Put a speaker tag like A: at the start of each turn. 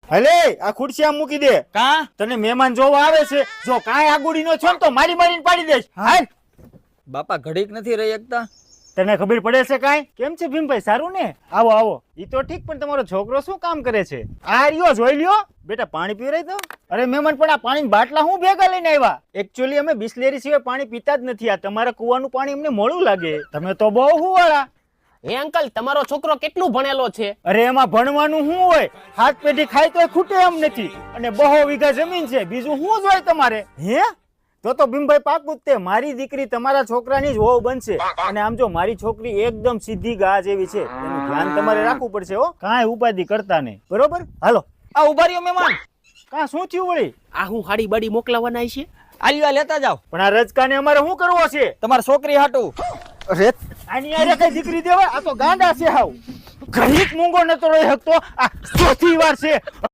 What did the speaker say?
A: હલે આ ખુરશી આમ મૂકી દે.
B: કા
A: તને મહેમાન જોવા આવે છે, જો કાંઈ આગુડી નો છો ને તો મારી મારીને પાડી દઈશ. હાલ.
B: બાપા ઘડીક નથી રહી એકતા.
A: તને ખબર પડે છે કાંઈ? કેમ છે ભીમભાઈ, સારું ને? આવો આવો. ઈ તો ઠીક, પણ તમારો છોકરો શું કામ કરે છે? આ રહ્યો, જોઈ લ્યો. બેટા પાણી પીવરાય તો. અરે મહેમાન, પણ આ પાણીના બાટલા હું ભેગા લઈને આવ્યા? એકચ્યુઅલી અમે બિસ્લેરી સિવાય પાણી પીતા જ નથી. આ તમારા કુવાનું પાણી અમને મોડું લાગે. તમે તો બહુ હુવાળા.
C: હે અંકલ, તમારો છોકરો કેટલું ભણેલો છે?
A: અરે એમાં ભણવાનું શું હોય? હાથ પેઢી ખાય તો ખૂટે એમ નથી. અને 2 વીઘા જમીન છે, બીજું શું જોઈએ તમારે? હે? તો ભીમભાઈ પાકું જ તે મારી દીકરી તમારા છોકરાની જ વહુ બનશે. અને આમ જો મારી છોકરી એકદમ સીધી ગા જેવી છે, એનું ધ્યાન તમારે રાખવું પડશે હો. કાંઈ ઉપાધિ કરતા નહીં, બરોબર? હાલો.
B: આ ઉભા રહ્યો મહેમાન.
A: કાં શું થયું વળી?
C: આ હું હાડી બાડી મોકલાવાના છે?
B: આલ્યો લેતા જાવ.
A: પણ આ રજકાને અમારે શું કરવો છે?
B: તમારી છોકરી હાટું.
A: અરે આની આરે કઈ દીકરી દેવાય? આ તો ગાંડા છે હાવ. ઘડીક મૂંગો નતો રહી શકતો. આ ચોથી વાર છે.